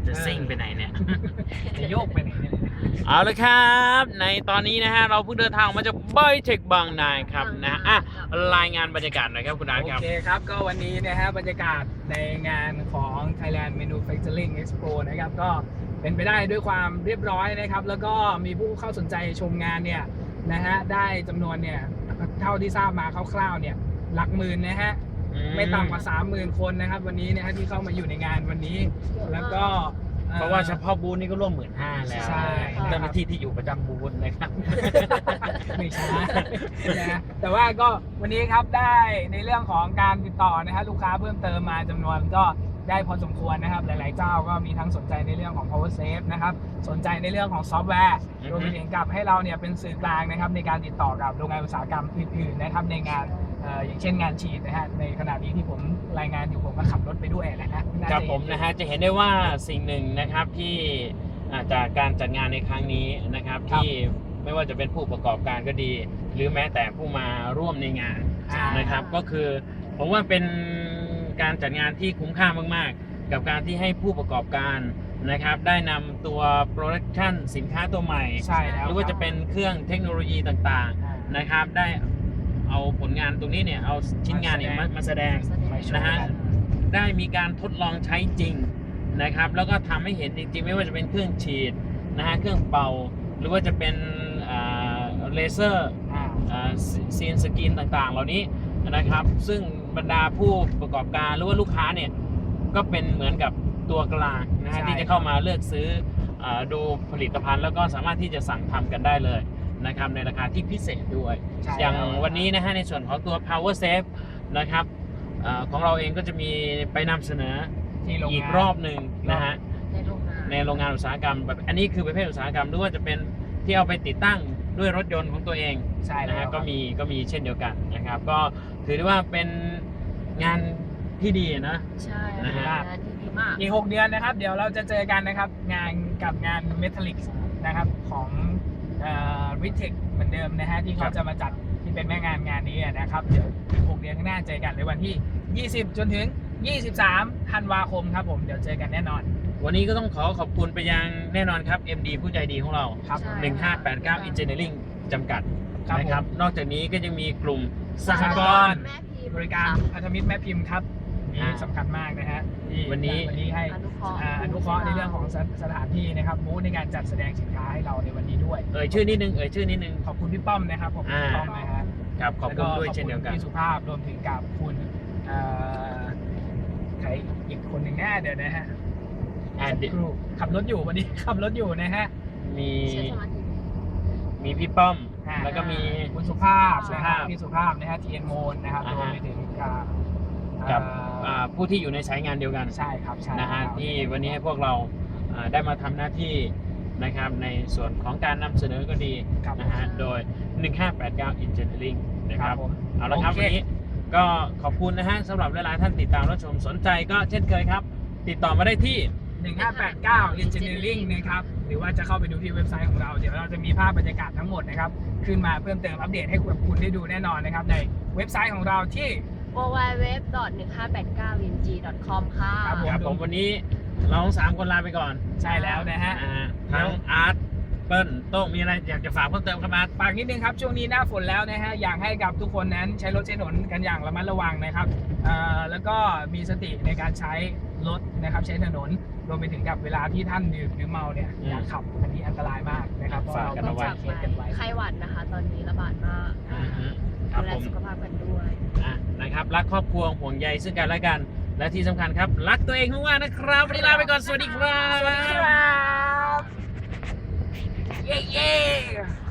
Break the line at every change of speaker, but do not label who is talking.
จะซิ่งไปไหนเนี่ย
จะโยกไปไหนเนี่ย
เอาละครับในตอนนี้นะฮะเราเพิ่งเดินทางมาจากไบเทคบางนาครับนะรายงานบรรยากาศหน่อยครับคุณอาร์ตครับ
โอเคครับก็วันนี้นะฮะบรรยากาศในงานของ Thailand Manufacturing Expo นะครับก็เป็นไปได้ด้วยความเรียบร้อยนะครับแล้วก็มีผู้เข้าสนใจชมงานเนี่ยนะฮะได้จำนวนเนี่ยเท่าที่ทราบมาคร่าวๆเนี่ยหลักหมื่นนะฮะไม่ต่ำกว่า 30,000 คนนะครับวันนี้นะฮะที่เข้ามาอยู่ในงานวันนี้แล้วก็
เพราะว่าเฉพาะบูธนี่ก็ร่วม15,000แล้ว
ใช่
เจ้าหน้าที่ที่อยู่ประจำบูธนะครับ
ไม่ใช่นะแต่ว่าก็วันนี้ครับได้ในเรื่องของการติดต่อนะฮะลูกค้าเพิ่มเติมมาจำนวนก็ได้พอสมควรนะครับหลายๆเจ้าก็มีทั้งสนใจในเรื่องของ power safe นะครับสนใจในเรื่องของซอฟต์แวร์รวมไปถึงกับให้เราเนี่ยเป็นสื่อกลางนะครับในการติดต่อกับโรงงานอุตสาหกรรมอื่นๆนะครับในงานอย่างเช่นงานฉีดนะฮะในขณะนี้ที่ผมรายงานอยู่ผมก็ขับรถไปด้วยนะฮะ
ครับผมนะฮะจะเห็นได้ว่าสิ่งหนึ่งนะครับที่จากการจัดงานในครั้งนี้นะครับที่ไม่ว่าจะเป็นผู้ประกอบการก็ดี หรือแม้แต่ผู้มาร่วมในงานนะครับก็คือผมว่าเป็นการจัดงานที่คุ้มค่ามากๆกับการที่ให้ผู้ประกอบการนะครับได้นำตัวโปรดักชันสินค้าตัวใหม่
ใช่แล้ว
หรือว่าจะเป็นเครื่องเทคโนโลยีต่างๆนะครับได้เอาผลงานตรงนี้เนี่ยเอาชิ้นงานเนี่ยมาแสดงนะฮะได้มีการทดลองใช้จริงนะครับแล้วก็ทำให้เห็นจริงๆไม่ว่าจะเป็นเครื่องฉีดนะฮะเครื่องเป่าหรือว่าจะเป็นเลเซอร์ซีนสกรีนต่างๆเหล่านี้นะครับซึ่งบรรดาผู้ประกอบการหรือว่าลูกค้าเนี่ยก็เป็นเหมือนกับตัวกลางนะฮะที่จะเข้ามาเลือกซื้อดูผลิตภัณฑ์แล้วก็สามารถที่จะสั่งทำกันได้เลยนะครับในราคาที่พิเศษด้วยอย่างวันนี้นะฮะในส่วนของตัว Power Safe นะครับของเราเองก็จะมีไปนำเสนออีกรอบหนึ่งนะฮะในโรงงานอุตสาหกรรมแบบอันนี้คือประเภทอุตสาหกรรมหรือว่าจะเป็นที่เอาไปติดตั้งด้วยรถยนต์ของตัวเอง
ใช่
นะฮะก็มีเช่นเดียวกันนะครับก็ถือได้ว่าเป็นงานที่ดีนะ
ใช่งานที่ดีมาก
อีก6 เดือนนะครับเดี๋ยวเราจะเจอกันนะครับงาน Metallic นะครับของRitech เหมือนเดิมนะฮะที่เขาจะมาจัดที่เป็นแม่งานนี้นะครับเดี๋ยว6 เดือนข้างหน้าเจอกันในวันที่20จนถึง23ธันวาคมครับผมเดี๋ยวเจอกันแน่นอน
วันนี้ก็ต้องขอบคุณไปยังแน่นอนครับ MD ผู้ใจดีของเรา
ครับ
1589 Engineering จำกัดนะครับนอกจากนี้ก็ยังมีกลุ่มสหกรณ์
บริการพันธมิตรแม่พิมพ์ครับนี่สำคัญมากนะฮะ
วันนี้
ให้อนุเคราะห์ในเรื่องของสถานที่นะครับบูธในการจัดแสดงสินค้าให้เราในวันนี้ด้วย
ชื่อนิดนึง
ขอบคุณพี่ป้อมนะครับขอบคุณพี่ป้อมนะฮะ
ครับขอบคุณด้วยเช่นเดียวกัน
พี่สุภาพรวมถึงกับคุณใครอีกคนหนึ่งแน่เดี๋ยวนะฮะขับรถอยู่วันนี้ขับรถอยู่นะฮะ
มีพี่ป้อมแล้วก็มี
คุณสุภาพนะครับพี่สุภาพนะฮะทีเอ็นโมนนะครับรวมไปถึง
กับผู้ที่อยู่ในสายงานเดียวกัน
ใช่ครับ
นะฮะที่วันนี้ให้พวกเราได้มาทำหน้าที่นะครับในส่วนของการนำเสนอก็ดีนะฮะโดย1589 Engineering นะครับเอาละครับวันนี้ก็ขอบคุณนะฮะสำหรับหลายๆท่านติดตามรับชมสนใจก็เช่นเคยครับติดต่อมาได้ที่
1589 Engineering นะครับหรือว่าจะเข้าไปดูที่เว็บไซต์ของเราเดี๋ยวเราจะมีภาพบรรยากาศทั้งหมดนะครับขึ้นมาเพิ่มเติมอัปเดตให้คุณได้ดูแน่นอนนะครับในเว็บไซต์ของเราที่
www.1589vng.com ค่ะ
ครับผมวันนี้เรา3 คนลาไปก่อน
ใช่แล้วนะฮะ
ทั้งอาร์ตเปิ้ลโต้งมีอะไรอยากจะฝากเพิ่มเติมครับอาร์ต
ฝากนิดนึงครับช่วงนี้หน้าฝนแล้วนะฮะอยากให้กับทุกคนนั้นใช้รถใช้ถนนกันอย่างระมัดระวังนะครับแล้วก็มีสติในการใช้รถนะครับใช้ถนนรวมไปถึงกับเวลาที่ท่านดื่มหรือเมาเนี่ยอย่าขับอันนี้อันตรายมากนะครับ
ฝากกันเอาไว้
ไข้หวัดนะคะตอนนี้ระบาดมากดูแลสุขภาพกันด้วย
นะครับรักครอบครัวห่วงใยซึ่งกันและกันและที่สำคัญครับรักตัวเองมากๆนะครับวันนี้ลาไปก่อนสวัสดีครับ
เย้